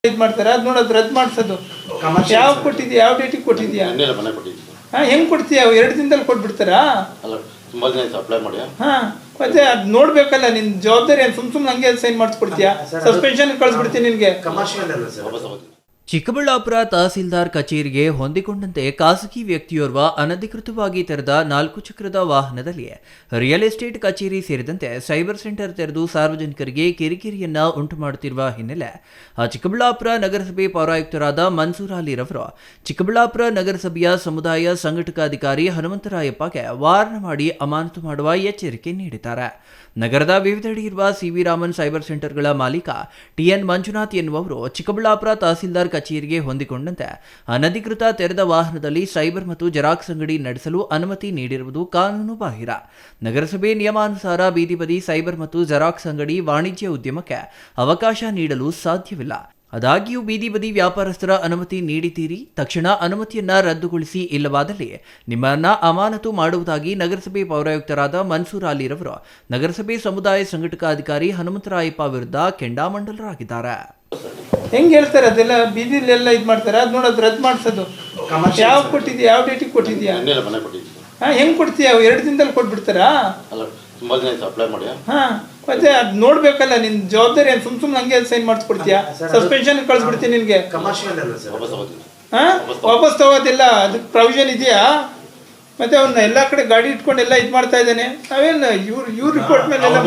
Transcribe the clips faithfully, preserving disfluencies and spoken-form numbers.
ಇದು ಮಾಡ್ತಾರೆ ಅದು ನೋಡೋದು ರದ್ದು ಮಾಡಿಸೋದು ಯಾವ ಕೊಟ್ಟಿದ್ಯಾ ಯಾವ ಡೇಟಿಗೆ ಕೊಟ್ಟಿದ್ಯಾ ಹಾಂ ಹೆಂಗೆ ಕೊಡ್ತೀಯಾ ಎರಡು ದಿನದಲ್ಲಿ ಕೊಟ್ಬಿಡ್ತಾರಾ ತುಂಬ ದಿನ ಅಪ್ಲೈ ಮಾಡಿ ಹಾಂ ಮತ್ತೆ ಅದು ನೋಡ್ಬೇಕಲ್ಲ ನಿನ್ನ ಜವಾಬ್ದಾರಿ ಏನು ಸುಮ್ ಸುಮ್ಮನೆ ಹಂಗೆ ಸೈನ್ ಮಾಡಿಸ್ಕೊಡ್ತೀಯಾ ಸಸ್ಪೆನ್ಷನ್ ಕಳಿಸ್ಬಿಡ್ತೀನಿ ನಿನಗೆ. ಚಿಕ್ಕಬಳ್ಳಾಪುರ ತಹಸೀಲ್ದಾರ್ ಕಚೇರಿಗೆ ಹೊಂದಿಕೊಂಡಂತೆ ಖಾಸಗಿ ವ್ಯಕ್ತಿಯೋರ್ವ ಅನಧಿಕೃತವಾಗಿ ತೆರೆದ ನಾಲ್ಕು ಚಕ್ರದ ವಾಹನದಲ್ಲಿ ರಿಯಲ್ ಎಸ್ಟೇಟ್ ಕಚೇರಿ ಸೇರಿದಂತೆ ಸೈಬರ್ ಸೆಂಟರ್ ತೆರೆದು ಸಾರ್ವಜನಿಕರಿಗೆ ಕಿರಿಕಿರಿಯನ್ನ ಉಂಟು ಮಾಡುತ್ತಿರುವ ಹಿನ್ನೆಲೆ ಚಿಕ್ಕಬಳ್ಳಾಪುರ ನಗರಸಭೆ ಪೌರಾಯುಕ್ತರಾದ ಮನ್ಸೂರ್ ಅಲಿರವರು ಚಿಕ್ಕಬಳ್ಳಾಪುರ ನಗರಸಭೆಯ ಸಮುದಾಯ ಸಂಘಟಕಾಧಿಕಾರಿ ಹನುಮಂತರಾಯಪ್ಪಗೆ ವಾರ್ನ್ ಮಾಡಿ ಅಮಾನತು ಮಾಡುವ ಎಚ್ಚರಿಕೆ ನೀಡಿದ್ದಾರೆ. ನಗರದ ವಿವಿಧೆಡೆ ಇರುವ ಸಿವಿ ರಾಮನ್ ಸೈಬರ್ ಸೆಂಟರ್ಗಳ ಮಾಲೀಕ ಟಿಎನ್ ಮಂಜುನಾಥ್ ಎನ್ನುವವರು ಚಿಕ್ಕಬಳ್ಳಾಪುರ ತಹಸೀಲ್ದಾರ್ ಕಚೇರಿಗೆ ಹೊಂದಿಕೊಂಡಂತೆ ಅನಧಿಕೃತ ತೆರೆದ ವಾಹನದಲ್ಲಿ ಸೈಬರ್ ಮತ್ತು ಜೆರಾಕ್ಸ್ ಅಂಗಡಿ ನಡೆಸಲು ಅನುಮತಿ ನೀಡಿರುವುದು ಕಾನೂನು ಬಾಹಿರ. ನಗರಸಭೆ ನಿಯಮಾನುಸಾರ ಬೀದಿ ಬದಿ ಸೈಬರ್ ಮತ್ತು ಜೆರಾಕ್ಸ್ ಅಂಗಡಿ ವಾಣಿಜ್ಯ ಉದ್ಯಮಕ್ಕೆ ಅವಕಾಶ ನೀಡಲು ಸಾಧ್ಯವಿಲ್ಲ. ಆದಾಗ್ಯೂ ಬೀದಿ ಬದಿ ವ್ಯಾಪಾರಸ್ಥರ ಅನುಮತಿ ನೀಡಿದ್ದೀರಿ, ತಕ್ಷಣ ಅನುಮತಿಯನ್ನ ರದ್ದುಗೊಳಿಸಿ, ಇಲ್ಲವಾದಲ್ಲಿ ನಿಮ್ಮನ್ನ ಅಮಾನತು ಮಾಡುವುದಾಗಿ ನಗರಸಭೆ ಪೌರಾಯುಕ್ತರಾದ ಮನ್ಸೂರ್ ಅಲಿರವರು ನಗರಸಭೆ ಸಮುದಾಯ ಸಂಘಟಕಾಧಿಕಾರಿ ಹನುಮಂತರಾಯಪ್ಪ ವಿರುದ್ಧ ಕೆಂಡಾಮಂಡಲರಾಗಿದ್ದಾರೆ. ಹೆಂಗೆ ಹೇಳ್ತಾರೆ ಅದೆಲ್ಲ ಬೀದಿಲೆಲ್ಲ ಇದು ಮಾಡ್ತಾರೆ ಅದು ನೋಡೋದು ರದ್ದು ಮಾಡಿಸೋದು ಯಾವ ಕೊಟ್ಟಿದ್ಯಾ ಯಾವ ಡೇಟಿಗೆ ಕೊಟ್ಟಿದ್ಯಾ ಹಾಂ ಹೆಂಗೆ ಕೊಡ್ತೀಯಾ ಎರಡು ದಿನದಲ್ಲಿ ಕೊಟ್ಬಿಡ್ತಾರಾ ತುಂಬ ದಿನ ಅಪ್ಲೈ ಮಾಡಿ ಹಾಂ ಮತ್ತೆ ಅದು ನೋಡ್ಬೇಕಲ್ಲ ನಿನ್ನ ಜವಾಬ್ದಾರಿ ಏನು ಸುಮ್ ಸುಮ್ಮನೆ ಹಂಗೆ ಸೈನ್ ಮಾಡಿಸ್ಕೊಡ್ತೀಯಾ ಸಸ್ಪೆನ್ಷನ್ ಕಳಿಸ್ಬಿಡ್ತೀನಿ ನಿನಗೆ. ಹಾಂ ವಾಪಸ್ ತಗೋದಿಲ್ಲ ಅದಕ್ಕೆ ಪ್ರೊವಿಷನ್ ಇದೆಯಾ? ಮತ್ತೆ ಅವನ್ನ ಎಲ್ಲ ಕಡೆ ಗಾಡಿ ಇಟ್ಕೊಂಡು ಎಲ್ಲ ಇದು ಮಾಡ್ತಾ ಇದ್ದಾನೆ. ನಾವೇನು ಇವ್ರು ಇವ್ರ ರಿಪೋರ್ಟ್ ಮೇಲೆ ಎಲ್ಲ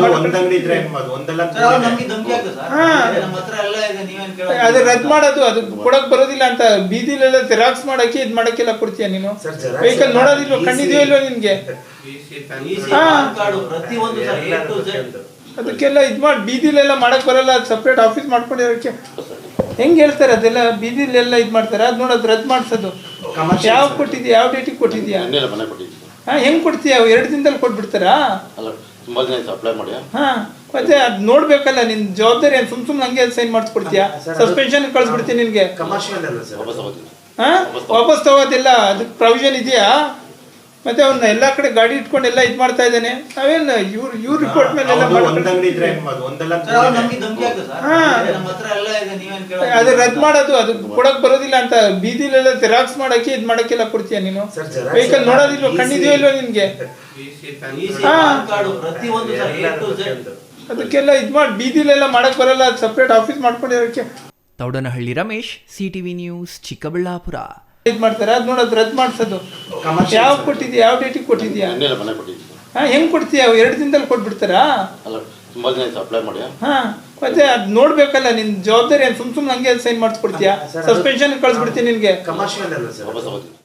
ಅದು ರದ್ದು ಮಾಡೋದು ಅದು ಕೊಡಕ್ ಬರೋದಿಲ್ಲ ಅಂತ ಬೀದಿಲೆಲ್ಲ ಜೆರಾಕ್ಸ್ ಮಾಡಕ್ಕೆ ಇದು ಮಾಡಕ್ಕೆಲ್ಲ ಕೊಡ್ತೀಯ ನೀನು? ವೆಹಿಕಲ್ ನೋಡೋದಿಲ್ವ, ಕಣ್ಣಿದೆಯೋ ಇಲ್ವೋ ನಿನ್ಗೆ? ಅದಕ್ಕೆಲ್ಲ ಇದು ಮಾಡಿ ಬೀದಿಲೆಲ್ಲ ಮಾಡಕ್ ಬರಲ್ಲ, ಅದು ಸಪ್ರೇಟ್ ಆಫೀಸ್ ಮಾಡ್ಕೊಂಡಿರೋಕ್ಕೆ. ಹೆಂಗೆ ಹೇಳ್ತಾರೆ ಅದೆಲ್ಲ ಬೀದಿಲೆಲ್ಲ ಇದು ಮಾಡ್ತಾರೆ ಅದು ನೋಡೋದು ರದ್ದು ಮಾಡಿಸೋದು ಯಾವ ಕೊಟ್ಟಿದ್ಯಾ ಯಾವ ಡೇಟಿಗೆ ಕೊಟ್ಟಿದ್ಯಾ ಹಾಂ ಹೆಂಗೆ ಕೊಡ್ತೀಯಾ ಎರಡು ದಿನದಲ್ಲಿ ಕೊಟ್ಬಿಡ್ತಾರಾ ತುಂಬ ದಿನ ಅಪ್ಲೈ ಮಾಡಿ ಹಾಂ ಮತ್ತೆ ಅದು ನೋಡ್ಬೇಕಲ್ಲ ನಿನ್ನ ಜವಾಬ್ದಾರಿ ಏನು ಸುಮ್ ಸುಮ್ಮನೆ ಹಂಗೆ ಸೈನ್ ಮಾಡಿಸ್ಕೊಡ್ತೀಯಾ ಸಸ್ಪೆನ್ಷನ್ ಕಳಿಸ್ಬಿಡ್ತೀನಿ ನಿನಗೆ. ಹಾಂ ವಾಪಸ್ ತಗೋದಿಲ್ಲ ಅದಕ್ಕೆ ಪ್ರೊವಿಷನ್ ಇದೆಯಾ? ಮತ್ತೆ ಅವನ್ನ ಎಲ್ಲ ಕಡೆ ಗಾಡಿ ಇಟ್ಕೊಂಡು ಎಲ್ಲ ಇದು ಮಾಡ್ತಾ ಇದ್ದಾನೆ. ನಾವೇನು ಇವ್ರು ಇವ್ರ ರಿಪೋರ್ಟ್ ಮೇಲೆ ಎಲ್ಲ ಅದು ರದ್ದು ಮಾಡೋದು ಅದು ಕೊಡಕ್ ಬರೋದಿಲ್ಲ ಅಂತ ಬೀದಿಲೆಲ್ಲ ಜೆರಾಕ್ಸ್ ಮಾಡಕ್ಕೆ ಇದು ಮಾಡಕ್ಕೆಲ್ಲ ಕೊಡ್ತೀಯ ನೀನು? ವೆಹಿಕಲ್ ನೋಡೋದಿಲ್ವ, ಕಣ್ಣಿದೆಯೋ ಇಲ್ವೋ ನಿನ್ಗೆ? ಅದಕ್ಕೆಲ್ಲ ಇದು ಮಾಡಿ ಬೀದಿಲೆಲ್ಲ ಮಾಡಕ್ ಬರಲ್ಲ, ಅದು ಸಪ್ರೇಟ್ ಆಫೀಸ್ ಮಾಡ್ಕೊಂಡಿರೋಕ್ಕೆ. Thaudanahalli Ramesh, CTV news, Chikkaballapura. ಇದು ಮಾಡ್ತಾರೆ ಅದು ನೋಡೋದು ರದ್ದು ಮಾಡಿಸೋದು ಯಾವ ಕೊಟ್ಟಿದ್ಯಾ ಯಾವ ಡೇಟಿಗೆ ಕೊಟ್ಟಿದ್ಯಾ ಹಾಂ ಹೆಂಗೆ ಕೊಡ್ತೀಯಾ ಎರಡು ದಿನದಲ್ಲಿ ಕೊಟ್ಬಿಡ್ತಾರಾ ತುಂಬ ದಿನ ಅಪ್ಲೈ ಮಾಡಿ ಹಾಂ ಮತ್ತೆ ಅದು ನೋಡ್ಬೇಕಲ್ಲ ನಿನ್ನ ಜವಾಬ್ದಾರಿ ಏನು ಸುಮ್ ಸುಮ್ಮನೆ ಹಂಗೆ ಸೈನ್ ಮಾಡಿಸ್ಕೊಡ್ತೀಯಾ ಸಸ್ಪೆನ್ಷನ್ ಕಳಿಸ್ಬಿಡ್ತೀನಿ ನಿನಗೆ.